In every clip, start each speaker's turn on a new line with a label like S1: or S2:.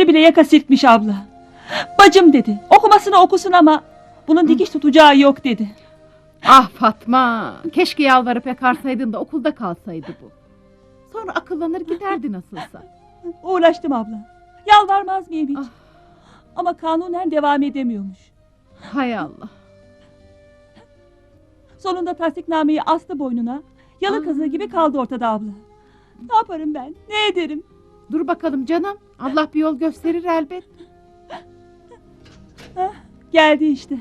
S1: bile yaka silkmiş abla. Bacım dedi, okumasını okusun ama bunun dikiş tutacağı yok dedi.
S2: Ah Fatma, keşke yalvarıp yakarsaydın da okulda kalsaydı bu. Sonra akıllanır giderdi nasılsa.
S1: Uğraştım abla. Yalvarmaz mıyım hiç?
S2: Ah.
S1: Ama kanunen devam edemiyormuş.
S2: Hay Allah.
S1: Sonunda tasdiknameyi astı boynuna. Yalı kazığı gibi kaldı ortada abla. Ne yaparım ben? Ne ederim?
S2: Dur bakalım canım. Allah bir yol gösterir elbet.
S1: Hah, geldi işte.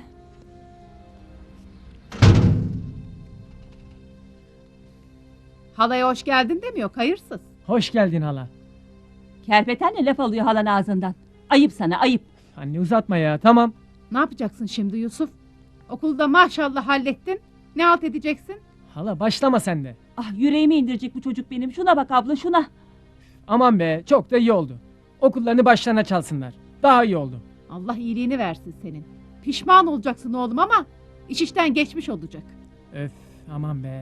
S2: Halaya hoş geldin demiyor, hayırsız.
S3: Hoş geldin hala.
S1: Kerpetenle laf alıyor halan ağzından. Ayıp sana, ayıp.
S3: Anne uzatma ya, tamam.
S2: Ne yapacaksın şimdi Yusuf? Okulda maşallah hallettin. Ne halt edeceksin?
S3: Hala başlama sen de.
S1: Ah, yüreğimi indirecek bu çocuk benim. Şuna bak abla, şuna.
S3: Aman be, çok da iyi oldu. Okullarını başlarına çalsınlar. Daha iyi oldu.
S2: Allah iyiliğini versin senin. Pişman olacaksın oğlum ama iş işten geçmiş olacak.
S3: Öf, aman be.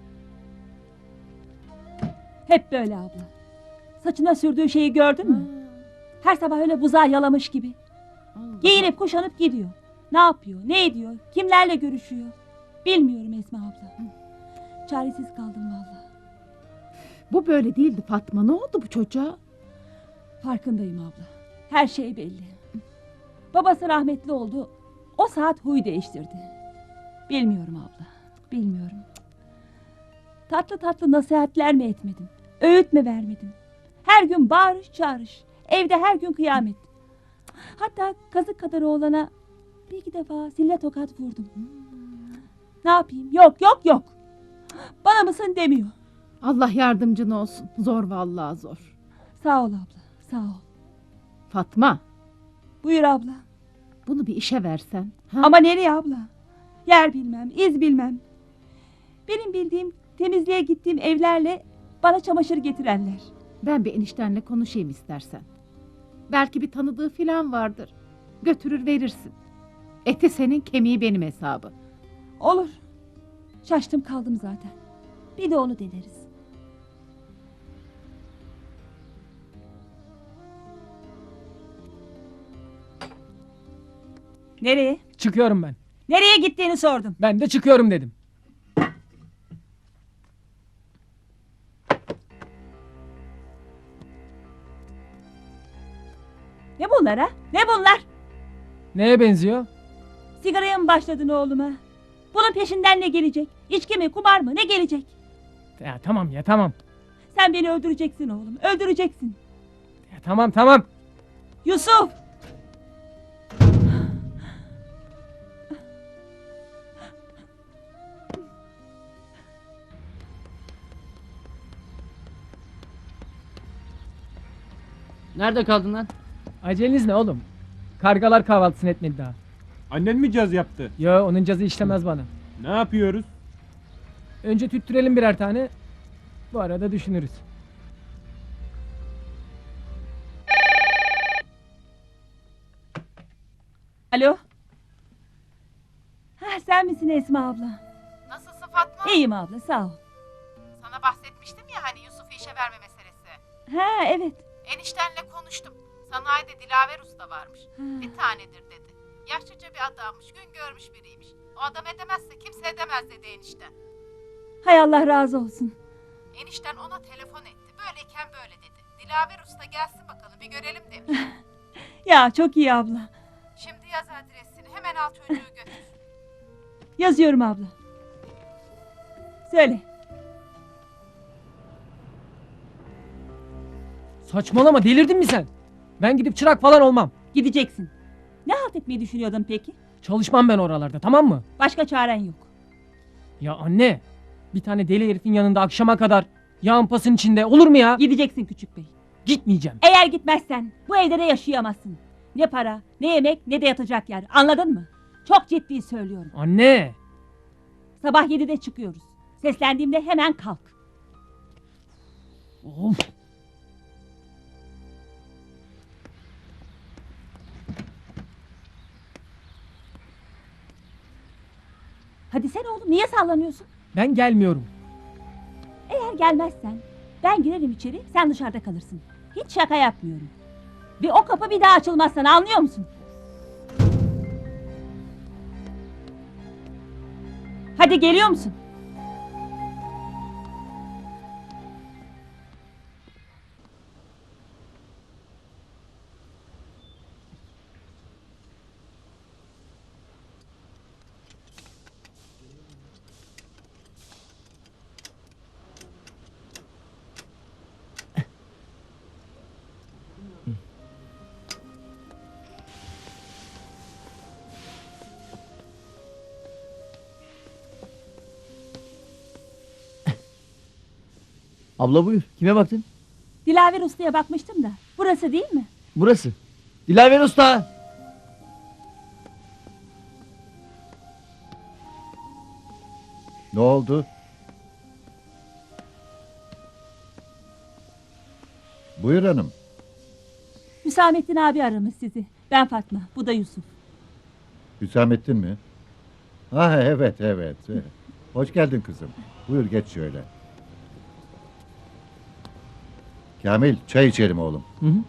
S1: Hep böyle abla. Saçına sürdüğü şeyi gördün mü? Her sabah öyle buzağı yalamış gibi.
S2: Allah.
S1: Giyinip kuşanıp gidiyor. Ne yapıyor, ne ediyor, kimlerle görüşüyor? Bilmiyorum Esma abla. Çaresiz kaldım vallahi.
S2: Bu böyle değildi Fatma. Ne oldu bu çocuğa?
S1: Farkındayım abla. Her şey belli. Babası rahmetli oldu. O saat huy değiştirdi. Bilmiyorum abla. Bilmiyorum. Tatlı tatlı nasihatler mi etmedim? Öğüt mü vermedim? Her gün bağırış çağırış. Evde her gün kıyamet. Hatta kazık kadar oğlana bir iki defa sille tokat vurdum. Ne yapayım? Yok yok yok. Bana mısın demiyor.
S2: Allah yardımcın olsun. Zor vallahi zor.
S1: Sağ ol abla. Sağ ol.
S2: Fatma,
S1: Buyur abla.
S2: bunu bir işe versen. Ha?
S1: Ama nereye abla? Yer bilmem, iz bilmem. Benim bildiğim temizliğe gittiğim evlerle bana çamaşır getirenler.
S2: Ben bir eniştenle konuşayım istersen. Belki bir tanıdığı filan vardır. Götürür verirsin. Eti senin, kemiği benim hesabı.
S1: Olur. Şaştım kaldım zaten. Bir de onu deneriz. Nereye?
S3: Çıkıyorum ben.
S1: Nereye gittiğini sordum.
S3: Ben de çıkıyorum dedim.
S1: Ne bunlar ha? Ne bunlar?
S3: Neye benziyor?
S1: Sigaraya mı başladın oğluma? Bunun peşinden ne gelecek? İçki mi, kumar mı? Ne gelecek?
S3: Ya tamam ya, tamam.
S1: Sen beni öldüreceksin oğlum. Öldüreceksin.
S3: Ya tamam, tamam.
S1: Yusuf!
S4: Nerede kaldın lan?
S3: Aceleniz ne oğlum? Kargalar kahvaltısını etmedi daha.
S5: Annen mi caz yaptı?
S3: Yo, onun cazı işlemez bana.
S5: Ne yapıyoruz?
S3: Önce tüttürelim birer tane. Bu arada düşünürüz.
S1: Alo? Ha, sen misin Esma abla?
S2: Nasılsın Fatma?
S1: İyiyim abla, sağ ol.
S2: Sana bahsetmiştim ya hani Yusuf'u işe verme meselesi.
S1: Ha, evet.
S2: Eniştenle konuştum. Sanayide Dilaver Usta varmış.
S1: Ha.
S2: Bir tanedir dedi. Yaşlıca bir adammış, gün görmüş biriymiş. O adam edemezse kimse edemez dedi enişten.
S1: Hay Allah razı olsun.
S2: Enişten ona telefon etti. Böyleyken böyle dedi. Dilaver Usta gelsin bakalım bir görelim demiş.
S1: Ya çok iyi abla.
S2: Şimdi yaz adresini, hemen al çocuğu götür.
S1: Yazıyorum abla. Söyle.
S3: Saçmalama, delirdin mi sen? Ben gidip çırak falan olmam.
S1: Gideceksin. Ne halt etmeyi düşünüyordun peki?
S3: Çalışmam ben oralarda, tamam mı?
S1: Başka çaren yok.
S3: Ya anne, bir tane deli herifin yanında akşama kadar yağın pasın içinde olur mu ya?
S1: Gideceksin küçük bey.
S3: Gitmeyeceğim.
S1: Eğer gitmezsen bu evde de yaşayamazsın. Ne para, ne yemek, ne de yatacak yer. Anladın mı? Çok ciddi söylüyorum.
S3: Anne.
S1: Sabah 7'de çıkıyoruz. Seslendiğimde hemen kalk.
S3: Of.
S1: Hadi sen oğlum, niye sallanıyorsun?
S3: Ben gelmiyorum.
S1: Eğer gelmezsen ben girerim içeri, sen dışarıda kalırsın. Hiç şaka yapmıyorum. Ve o kapı bir daha açılmaz sana, anlıyor musun? Hadi geliyor musun?
S6: Abla buyur. Kime baktın?
S1: Dilaver Usta'ya bakmıştım da. Burası değil mi?
S6: Burası. Dilaver Usta.
S7: Ne oldu? Buyur hanım.
S1: Hüsamettin abi aramış sizi. Ben Fatma, bu da Yusuf.
S7: Hüsamettin mi? Ha evet evet. Hoş geldin kızım. Buyur geç şöyle. Kamil çay içelim oğlum.
S6: Hı hı.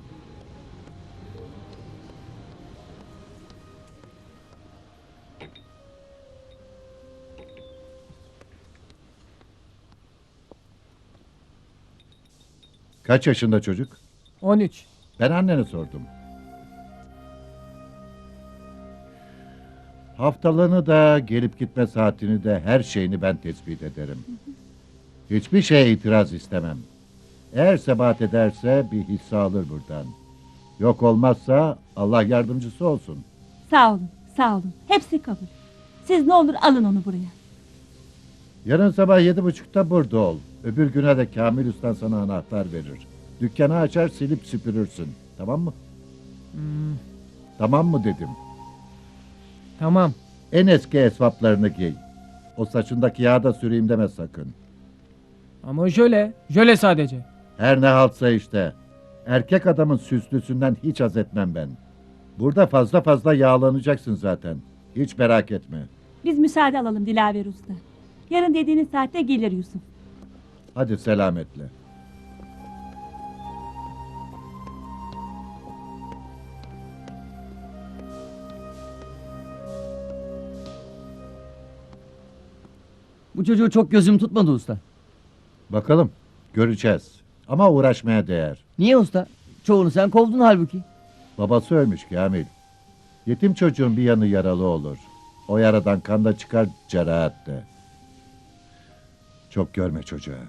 S7: Kaç yaşında çocuk?
S3: 13.
S7: Ben annene sordum. Haftalığını da gelip gitme saatini de her şeyini ben tespit ederim. Hiçbir şeye itiraz istemem. Eğer sebat ederse bir hisse alır buradan. Yok olmazsa Allah yardımcısı olsun.
S1: Sağ olun, sağ olun. Hepsi kabul. Siz ne olur alın onu buraya.
S7: Yarın sabah 7.30'da burada ol. Öbür güne de Kamil Usta sana anahtar verir. Dükkanı açar silip süpürürsün. Tamam mı? Tamam mı dedim.
S3: Tamam.
S7: En eski esvaplarını giy. O saçındaki yağı da süreyim deme sakın.
S3: Ama jöle. Jöle sadece.
S7: Her ne haltsa işte. Erkek adamın süslüsünden hiç haz etmem ben. Burada fazla fazla yağlanacaksın zaten. Hiç merak etme.
S1: Biz müsaade alalım Dilaver Usta. Yarın dediğiniz saatte gelir Yusuf.
S7: Hadi selametle.
S6: Bu çocuğu çok gözüm tutmadı usta.
S7: Bakalım. Göreceğiz. Ama uğraşmaya değer.
S6: Niye usta? Çoğunu sen kovdun halbuki.
S7: Babası ölmüş Kamil. Yetim çocuğun bir yanı yaralı olur. O yaradan kan da çıkar cerahat de. Çok görme çocuğa.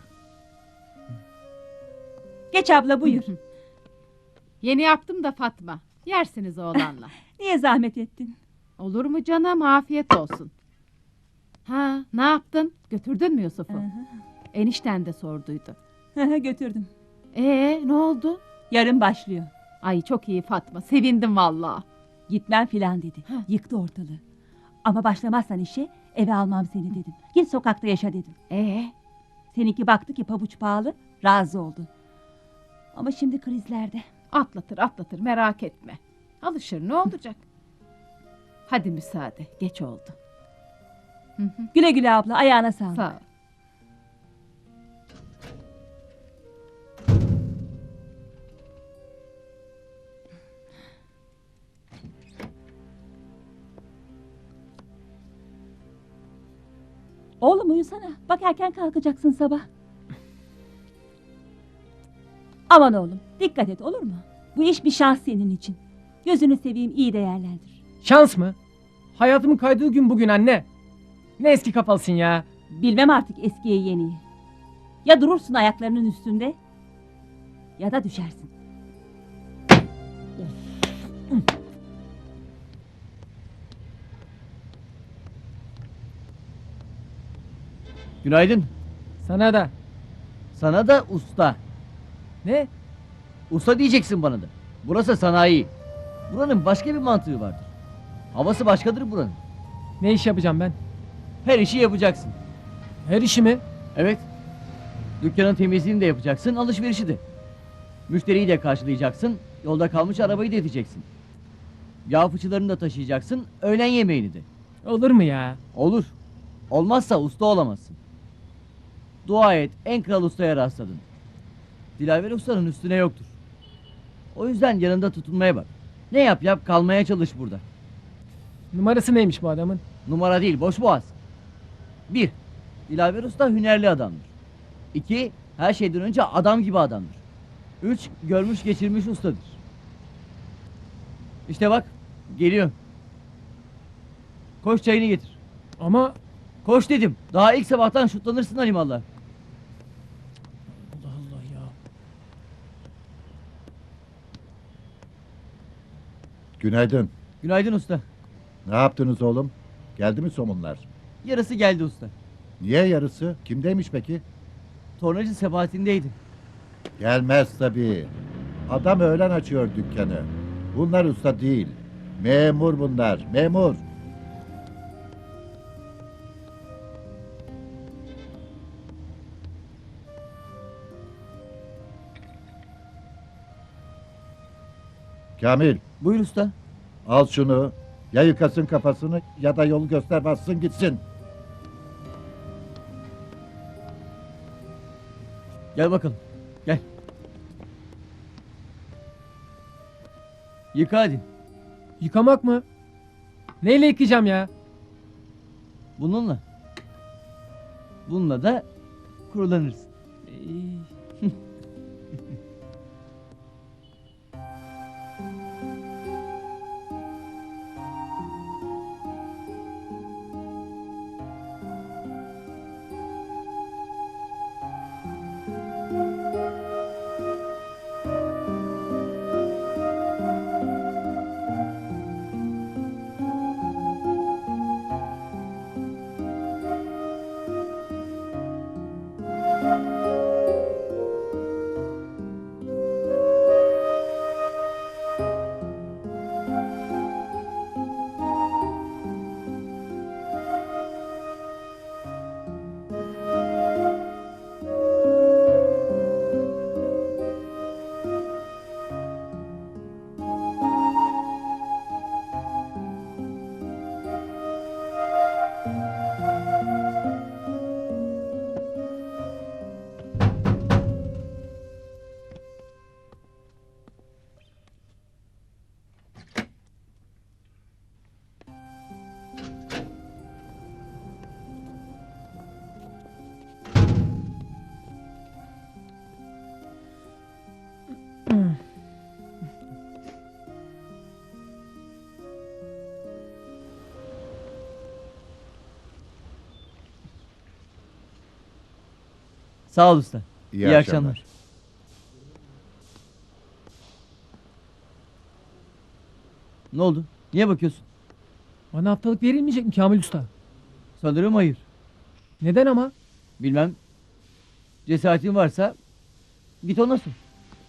S1: Geç abla buyur.
S2: Yeni yaptım da Fatma. Yersiniz oğlanla.
S1: Niye zahmet ettin?
S2: Olur mu canım? Afiyet olsun. Ha, ne yaptın? Götürdün mü Yusuf'u? Enişten de sorduydu.
S1: Götürdüm.
S2: Ne oldu?
S1: Yarın başlıyor.
S2: Ay çok iyi Fatma. Sevindim vallahi.
S1: Gitmem filan dedi. Yıktı ortalığı. Ama başlamazsan işe eve almam seni dedim. Git sokakta yaşa dedim. Seninki baktı ki pabuç pahalı, razı oldu. Ama şimdi krizlerde.
S2: Atlatır merak etme. Alışır ne olacak? Hadi müsaade. Geç oldu.
S1: Güle güle abla, ayağına sağlık.
S2: Sağ ol.
S1: Oğlum uyusana. Bak erken kalkacaksın sabah. Aman oğlum, dikkat et olur mu? Bu iş bir şans senin için. Gözünü seveyim, iyi değerlendir.
S3: Şans mı? Hayatımın kaydığı gün bugün anne. Ne eski kafalısın ya.
S1: Bilmem artık eskiye yeniyi. Ya durursun ayaklarının üstünde ya da düşersin.
S6: Günaydın.
S3: Sana da.
S6: Sana da usta.
S3: Ne?
S6: Usta diyeceksin bana da. Burası sanayi. Buranın başka bir mantığı vardır. Havası başkadır buranın.
S3: Ne iş yapacağım ben?
S6: Her işi yapacaksın.
S3: Her işimi.
S6: Evet. Dükkanın temizliğini de yapacaksın, alışverişi de. Müşteriyi de karşılayacaksın, yolda kalmış arabayı da edeceksin. Yağ fıçılarını da taşıyacaksın, öğlen yemeğini de.
S3: Olur mu ya?
S6: Olur. Olmazsa usta olamazsın. Dua et, en kral ustaya rastladın. Dilaver ustanın üstüne yoktur. O yüzden yanında tutunmaya bak. Ne yap yap kalmaya çalış burada.
S3: Numarası neymiş bu adamın?
S6: Numara değil, boş boğaz. 1. Dilaver Usta hünerli adamdır. 2. Her şeyden önce adam gibi adamdır. 3. Görmüş geçirmiş ustadır. İşte bak, geliyor. Koş çayını getir.
S3: Ama
S6: Koş dedim. Daha ilk sabahtan şutlanırsın Halimallah.
S3: Allah Allah ya.
S7: Günaydın.
S6: Günaydın usta.
S7: Ne yaptınız oğlum? Geldi mi somunlar?
S6: Yarısı geldi usta.
S7: Niye yarısı? Kimdeymiş peki?
S6: Tornacı sebatindeydi.
S7: Gelmez tabii. Adam öğlen açıyor dükkanı. Bunlar usta değil. Memur bunlar. Memur. Kamil,
S6: Buyur usta.
S7: al şunu. Ya yıkasın kafasını ya da yolu göster bassın gitsin.
S6: Gel bakalım. Gel. Yıka hadi.
S3: Yıkamak mı? Neyle yıkayacağım ya?
S6: Bununla. Bununla da kurulanırsın. Sağ ol usta. İyi akşamlar. Ne oldu? Niye bakıyorsun?
S3: Bana haftalık verilmeyecek mi Kamil Usta?
S6: Sanırım hayır.
S3: Neden ama?
S6: Bilmem. Cesaretin varsa git ona sor.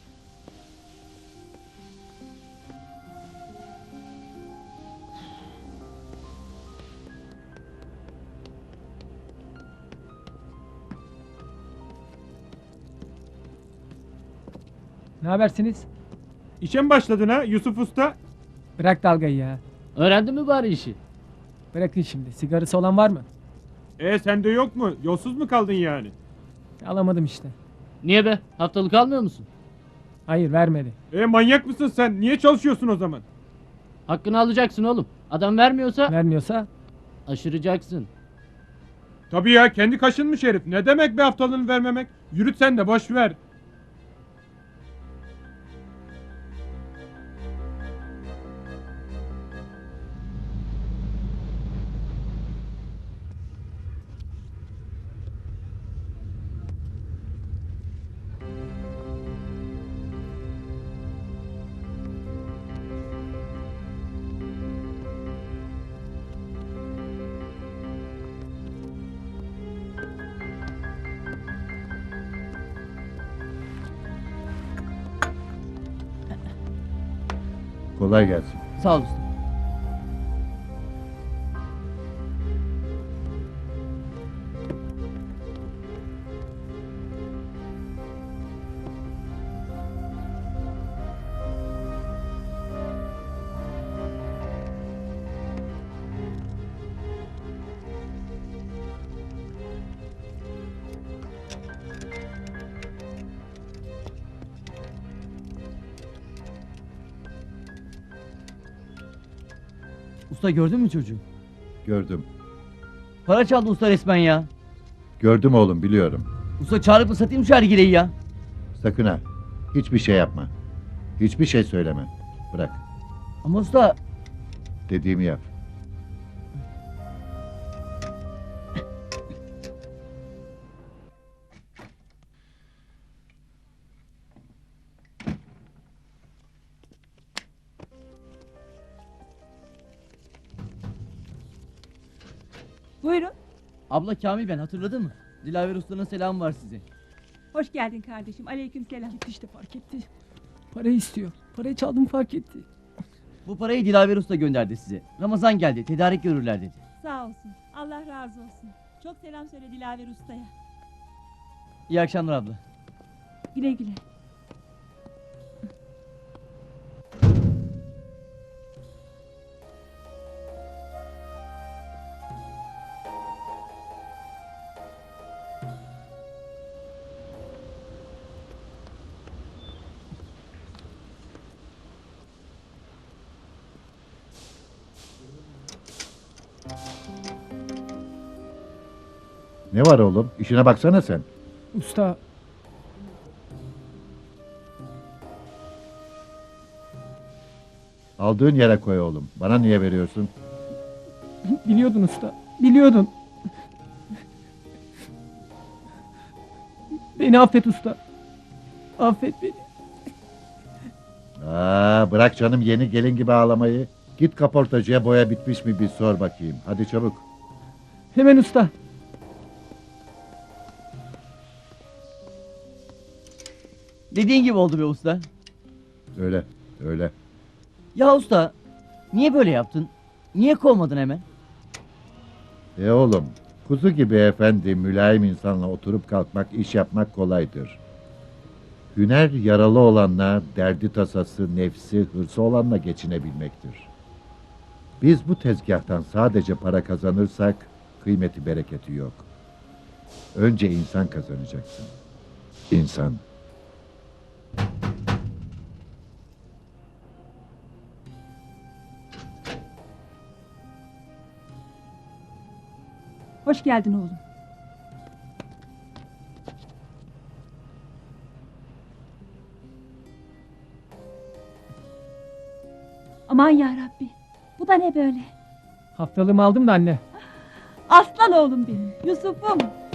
S3: Ne habersiniz?
S5: İşe mi başladın ha Yusuf Usta?
S3: Bırak dalgayı ya.
S4: Öğrendin mi bari işi?
S3: Bırakın şimdi. Sigarası olan var mı?
S5: Sende yok mu? Yolsuz mu kaldın yani?
S3: Alamadım işte.
S4: Niye be? Haftalık almıyor musun?
S3: Hayır vermedi.
S5: Manyak mısın sen? Niye çalışıyorsun o zaman?
S4: Hakkını alacaksın oğlum. Adam vermiyorsa
S3: Vermiyorsa
S4: aşıracaksın.
S5: Tabii ya, kendi kaşınmış herif. Ne demek bir haftalığını vermemek? Yürüt sen de, boş ver.
S7: Kolay gelsin.
S6: Sağ ol usta. Usta gördün mü çocuğu?
S7: Gördüm.
S6: Para çaldı usta resmen ya.
S7: Gördüm oğlum, biliyorum.
S6: Usta çağırıp mı satayım şu hergileyi ya?
S7: Sakın ha. Hiçbir şey yapma. Hiçbir şey söyleme. Bırak.
S6: Ama usta
S7: Dediğimi yap.
S1: Buyurun.
S6: abla Kamil ben hatırladın mı? Dilaver ustanın selamı var size.
S1: Hoş geldin kardeşim. Aleykümselam.
S3: İşte fark etti. Parayı istiyor. Parayı çaldım fark etti.
S6: Bu parayı Dilaver usta gönderdi size. Ramazan geldi tedarik görürler dedi.
S1: Sağ olsun. Allah razı olsun. Çok selam söyle Dilaver Usta'ya.
S6: İyi akşamlar abla.
S1: Güle güle.
S7: Ne var oğlum? İşine baksana sen.
S3: Usta
S7: Aldığın yere koy oğlum. Bana niye veriyorsun?
S3: biliyordun usta. Biliyordun. Beni affet usta. Affet beni.
S7: Bırak canım yeni gelin gibi ağlamayı. Git kaportacıya boya bitmiş mi bir sor bakayım. Hadi çabuk.
S3: Hemen usta.
S6: Dediğin gibi oldu be usta.
S7: Öyle, öyle.
S6: Ya usta niye böyle yaptın? Niye kovmadın hemen?
S7: Oğlum, kuzu gibi efendi, mülayim insanla oturup kalkmak, iş yapmak kolaydır. Hüner yaralı olanla, derdi tasası, nefsi, hırsı olanla geçinebilmektir. Biz bu tezgahtan sadece para kazanırsak, kıymeti bereketi yok. Önce insan kazanacaksın. İnsan.
S1: Hoş geldin oğlum. Aman ya Rabbi. Bu da ne böyle?
S3: Haftalığımı aldım da anne.
S1: Aslan oğlum benim. Yusuf'um.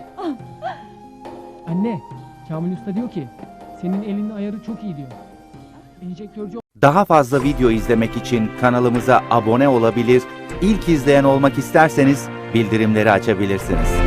S3: Anne, Kamil Usta diyor ki senin elinin ayarı çok iyi diyor. Enjektörcü
S8: Daha fazla video izlemek için kanalımıza abone olabilir, ilk izleyen olmak isterseniz bildirimleri açabilirsiniz.